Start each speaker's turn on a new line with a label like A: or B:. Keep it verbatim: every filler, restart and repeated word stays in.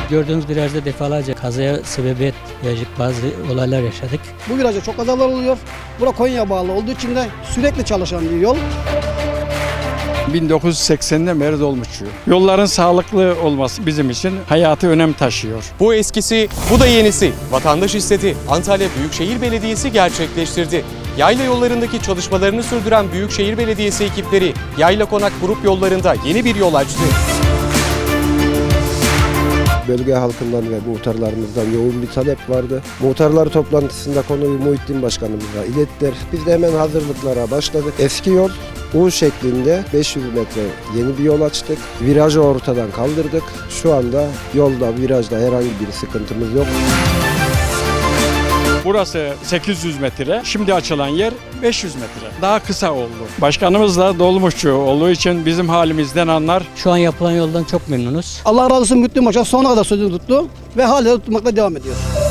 A: Gördüğünüz virajda defalarca kazaya sebebiyet verecek bazı olaylar yaşadık.
B: Bu virajda çok kazalar oluyor. Bura Konya'ya bağlı olduğu için de sürekli çalışan bir yol.
C: bin dokuz yüz seksenden beri dolmuşçuyum. Yolların sağlıklı olması bizim için hayatı önem taşıyor.
D: Bu eskisi, bu da yenisi. Vatandaş istedi. Antalya Büyükşehir Belediyesi gerçekleştirdi. Yayla yollarındaki çalışmalarını sürdüren Büyükşehir Belediyesi ekipleri Yayla Konak grup yollarında yeni bir yol açtı.
E: Bölge halkından ve muhtarlarımızdan yoğun bir talep vardı. Muhtarlar toplantısında konuyu Muhittin Başkanımıza ilettiler. Biz de hemen hazırlıklara başladık. Eski yol U şeklinde beş yüz metre yeni bir yol açtık. Virajı ortadan kaldırdık. Şu anda yolda, virajda herhangi bir sıkıntımız yok.
C: Burası sekiz yüz metre, şimdi açılan yer beş yüz metre. Daha kısa oldu. Başkanımız da dolmuşçu olduğu için bizim halimizden anlar.
A: Şu an yapılan yoldan çok memnunuz.
B: Allah razı olsun Muhittin Başkan sonuna kadar sözünü tuttu ve hala tutmakla devam ediyor.